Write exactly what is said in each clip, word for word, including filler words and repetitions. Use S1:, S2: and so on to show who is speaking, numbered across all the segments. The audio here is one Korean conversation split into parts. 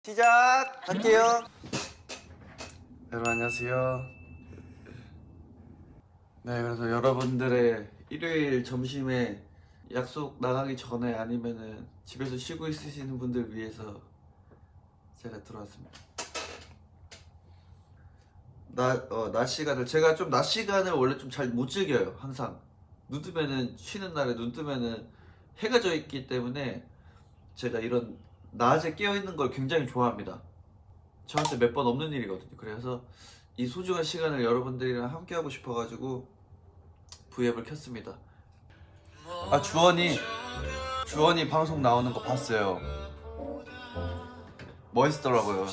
S1: 시작할게요. 여러분 안녕하세요. 네, 그래서 여러분들의 일요일 점심에 약속 나가기 전에 아니면은 집에서 쉬고 있으시는 분들 위해서 제가 들어왔습니다. 낮, 어, 낮 시간을 제가 좀 낮 시간을 원래 좀 잘 못 즐겨요. 항상 눈 뜨면은 쉬는 날에 눈 뜨면은 해가 져 있기 때문에 제가 이런 낮에 깨어 있는 걸 굉장히 좋아합니다. 저한테 몇 번 없는 일이거든요. 그래서 이 소중한 시간을 여러분들이랑 함께 하고 싶어가지고 브이앱을 켰습니다. 아, 주원이 주원이 방송 나오는 거 봤어요. 멋있더라고요.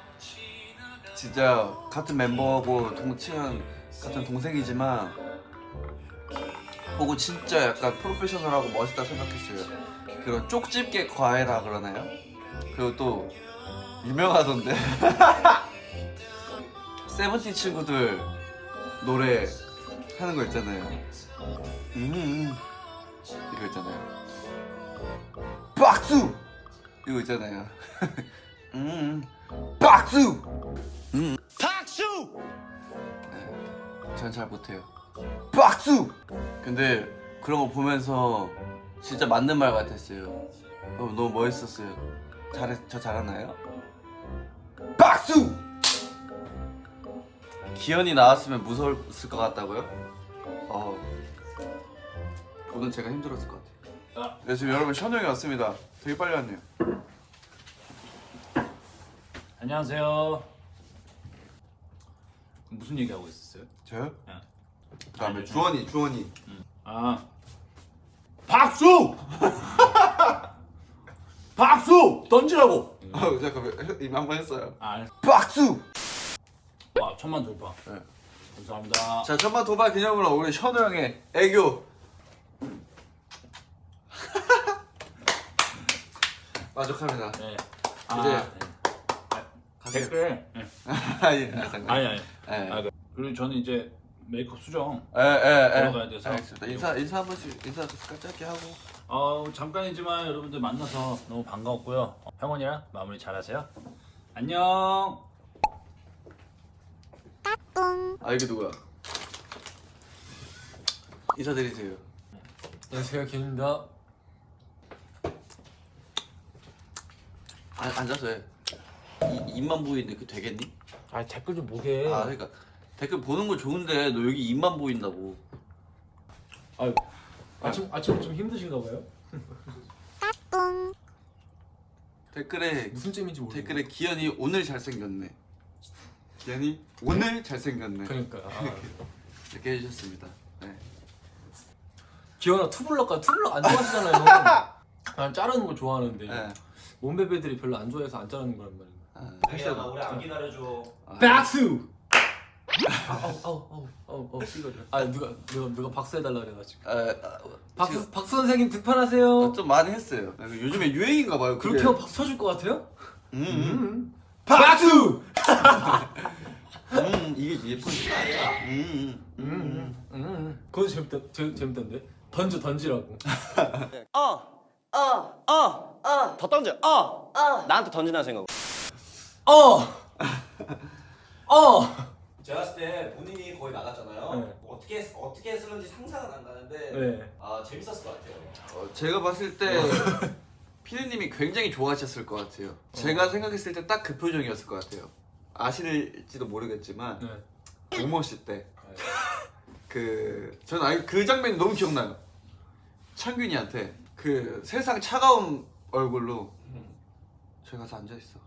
S1: 진짜 같은 멤버하고 동층 같은 동생이지만 보고 진짜 약간 프로페셔널하고 멋있다 생각했어요. 그런 쪽집게 과외라 그러나요? 그리고 또 유명하던데 세븐틴 친구들 노래 하는 거 있잖아요. 음 이거 있잖아요. 박수 이거 있잖아요. 음 박수 음 박수. 네, 전 잘 못해요. 박수. 근데 그런 거 보면서 진짜 맞는 말 같았어요. 너무, 너무 멋있었어요. 잘했, 저 잘하나요? 박수! 기현이 나왔으면 무서웠을 것 같다고요? 어, 오늘 제가 힘들었을 것 같아요. 네, 지금 여러분 션우 형이 왔습니다. 되게 빨리 왔네요.
S2: 안녕하세요. 무슨 얘기하고 있었어요?
S1: 저요?
S2: 네.
S1: 그 다음에
S2: 아니,
S1: 주원이, 주원이.
S2: 음. 아 박수! 박수! 던지라고!
S1: 어, 잠깐만, 이거 한번 했어요.
S2: 아,
S1: 박수!
S2: 와 천만 돌파.
S1: 네.
S2: 감사합니다.
S1: 자, 천만 도발 기념으로 우리 션우 형의 애교. 만족합니다.
S2: 네.
S1: 이제
S2: 네.
S1: 가세요.
S2: 댓글. 네.
S1: 아, 예, 아, 잠깐.
S2: 아니 아니.
S1: 예.
S2: 아, 그- 그리고 저는 이제 메이크업 수정.
S1: 예, 예, 예.
S2: 들어가야 돼서.
S1: 알겠습니다. 인사, 인사 한 번씩, 인사 짧게 하고.
S2: 어 잠깐이지만 여러분들 만나서 너무 반가웠고요. 어, 형원이랑 마무리 잘하세요. 안녕.
S1: 아, 이게 누구야? 인사드리세요.
S3: 안녕하세요, 김입니다.
S1: 아, 앉아서 해. 이, 입만 보이는데 그 되겠니?
S3: 아 댓글 좀 보게.
S1: 아, 그러니까 댓글 보는 거 좋은데 너 여기 입만 보인다고.
S3: 아, 아침 아침 좀 힘드신가 봐요.
S1: 댓글에
S3: 무슨 잼인지 모르겠어.
S1: 댓글에 기현이 오늘 잘생겼네. 기현이 오늘 잘생겼네.
S3: 그러니까. 아.
S1: 이렇게 해주셨습니다. 네.
S3: 기현아 투블럭가 투블럭 안 좋아하시잖아요. 난 자르는 거 좋아하는데
S1: 네.
S3: 몸베베들이 별로 안 좋아해서 안 자르는 거란 말이야.
S1: 아,
S4: 기현아 우리 안 기다려줘.
S1: 아,
S3: 박수. 아우 아우 아우 아우 아우 이거. 아 누가 누가 누가 박수 해달라 그래가지고.
S1: 아, 아,
S3: 박수
S1: 지금
S3: 박수 선생님 득판하세요.
S1: 좀 많이 했어요. 요즘에 유행인가 봐요. 그게.
S3: 그렇게 하면 박수 쳐줄 것 같아요?
S1: 음, 음.
S3: 박수.
S1: 음, 이게 예쁘지. 음, 음,
S3: 음, 음, 음. 그거 재밌다. 재, 재밌던데. 던져 던지라고.
S4: 어, 어, 어, 어. 더 던져. 어, 어. 나한테 던지나 생각.
S3: 어. 어.
S4: 제가 봤을 때 본인이 거의 나갔잖아요.
S3: 네.
S4: 어떻게 어떻게 했을는지 상상은 안 가는데
S3: 네.
S4: 아 재밌었을 것 같아요.
S1: 어, 제가 봤을 때 피디님이 굉장히 좋아하셨을 것 같아요. 제가 생각했을 때 딱 그 표정이었을 것 같아요. 아실지도 모르겠지만
S3: 네.
S1: 오머씨 때 그 저는 아예 그 장면이 너무 기억나요. 창균이한테 그 세상 차가운 얼굴로 저기 가서 앉아 있어.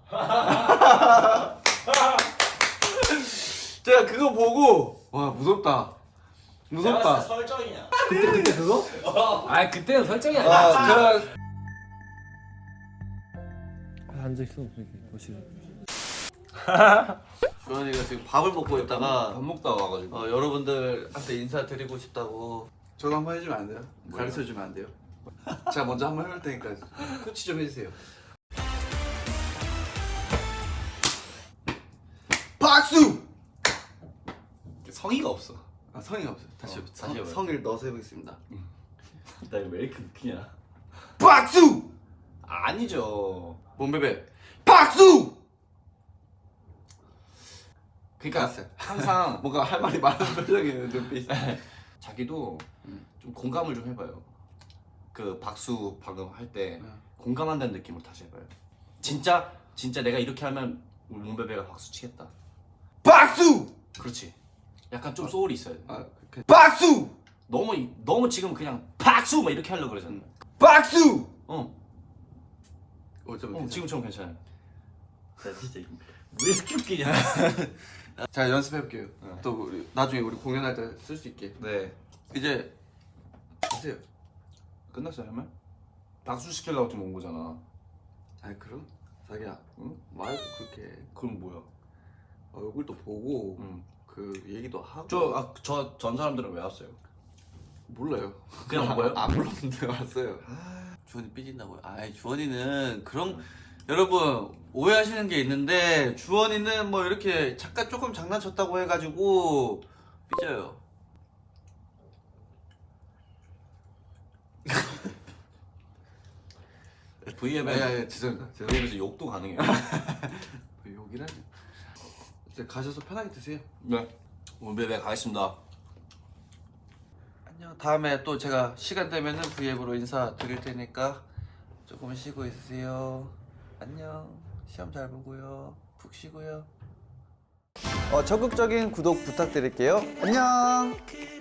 S1: 제가 그거 보고 와 무섭다. 무섭다.
S4: 설정이냐?
S3: 그때 그때 그거? 아 그때는 설정이 아니야.
S1: 아, 그
S3: 앉아 있어 거실.
S1: 주환이가 지금 밥을 먹고 있다가
S3: 밥 먹다 와가지고.
S1: 어, 여러분들한테 인사드리고 싶다고 전화 한번 해주면 안 돼요? 가르쳐주면 안 돼요? 제가 먼저 한번 해볼 테니까 코치 좀 해주세요. 박수!
S4: 성의가 없어.
S1: 아, 성의가 없어요. 다시,
S4: 어,
S1: 성,
S4: 다시 해봐요.
S1: 성의를 넣어서 해보겠습니다.
S4: 나 이거 왜 이렇게 웃기냐?
S1: 박수!
S4: 아니죠.
S1: 몸베베 박수! 박수!
S3: 그러니까
S1: 알았어요.
S3: 항상
S1: 뭔가 할 말이 많은 표정이에요 눈빛.
S3: 자기도 좀 공감을 좀 해봐요. 그 박수 방금 할 때
S1: 네.
S3: 공감한다는 느낌으로 다시 해봐요. 진짜 진짜 내가 이렇게 하면 우리 몽베베가 박수 치겠다.
S1: 박수!
S3: 그렇지. 약간 좀 소울이 있어야 돼.
S1: 아, 그, 박수!
S3: 너무 이- 너무 지금 그냥 박수 막 이렇게 하려고 그러잖아.
S1: 박수!
S3: 어,
S1: 어, 좀
S3: 어 지금처럼 괜찮아요.
S2: 나 진짜 왜 이렇게 웃기냐?
S1: 자 연습해볼게요.
S3: 네.
S1: 또 우리, 나중에 우리 공연할 때 쓸 수 있게.
S3: 네.
S1: 이제 하세요.
S3: 끝났어요, 할 말? 박수 시키려고 지금 온 거잖아.
S1: 아니 그럼 자기야, 응? 말도 그렇게
S3: 그럼 뭐야?
S1: 얼굴도 보고
S3: 응.
S1: 그 얘기도 하고.
S3: 저, 아, 저 전 사람들은 왜 왔어요?
S1: 몰라요.
S3: 그냥 온 거예요?
S1: 안 불렀는데 왔어요. 주원이 삐진다고요? 아이 주원이는 그런 여러분 오해하시는 게 있는데 주원이는 뭐 이렇게 잠깐 조금 장난쳤다고 해가지고 삐져요.
S3: 브이앱에
S1: 아니 아니 죄송합니다. 죄송합니다.
S3: 브이앱에서 욕도 가능해요.
S1: 욕이라니. 이제 가셔서 편하게 드세요.
S3: 네. 몽베베 가겠습니다.
S1: 안녕. 다음에 또 제가 시간 되면은 브이앱으로 인사 드릴 테니까 조금 쉬고 있으세요. 안녕. 시험 잘 보고요. 푹 쉬고요. 어, 적극적인 구독 부탁드릴게요. 안녕.